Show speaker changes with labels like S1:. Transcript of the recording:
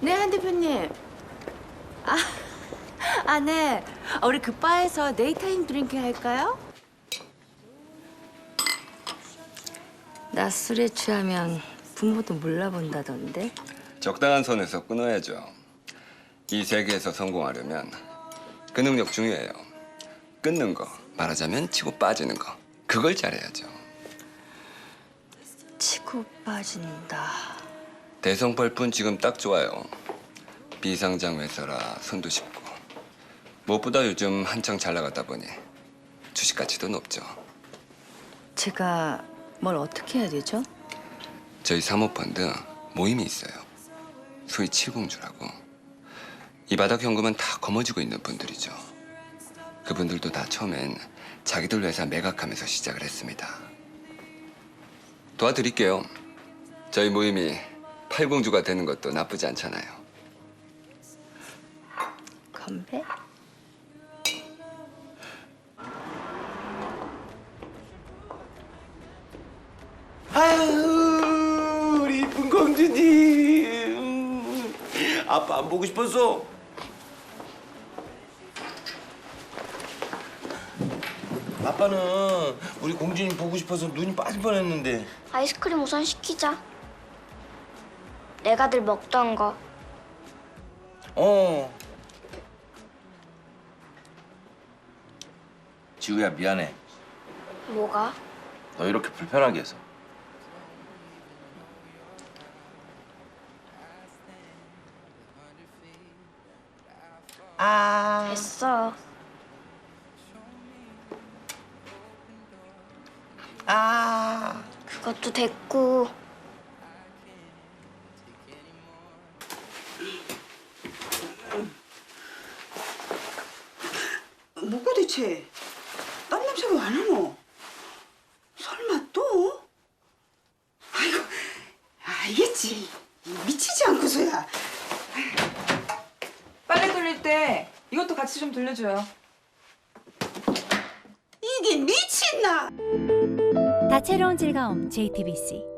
S1: 네, 한 대표님. 네. 우리 그 바에서 네이타임 드링크 할까요? 나 술에 취하면 부모도 몰라본다던데.
S2: 적당한 선에서 끊어야죠. 이 세계에서 성공하려면 그 능력 중요해요. 끊는 거, 말하자면 치고 빠지는 거. 그걸 잘해야죠.
S1: 치고 빠진다.
S2: 대성펄뿐 지금 딱 좋아요. 비상장 회사라 손도 쉽고. 무엇보다 요즘 한창 잘 나가다 보니 주식 가치도 높죠.
S1: 제가 뭘 어떻게 해야 되죠?
S2: 저희 사모펀드 모임이 있어요. 소위 칠공주라고. 이 바닥 현금은 다 거머쥐고 있는 분들이죠. 그분들도 다 처음엔 자기들 회사 매각하면서 시작을 했습니다. 도와드릴게요. 저희 모임이 팔공주가 되는 것도 나쁘지 않잖아요.
S1: 건배?
S3: 아유, 우리 이쁜 공주님. 아빠 안 보고 싶었어? 아빠는 우리 공주님 보고 싶어서 눈이 빠질 뻔했는데.
S4: 아이스크림 우선 시키자. 내가 늘 먹던 거.
S3: 지우야, 미안해.
S4: 뭐가?
S3: 너 이렇게 불편하게 해서.
S4: 됐어. 그것도 됐고.
S5: 뭐가 대체? 땀 냄새가 왜 나노? 설마 또? 아이고, 알겠지. 미치지 않고서야.
S6: 빨래 돌릴 때 이것도 같이 좀 돌려줘요.
S5: 이게 미친나?
S7: 다채로운 즐거움 JTBC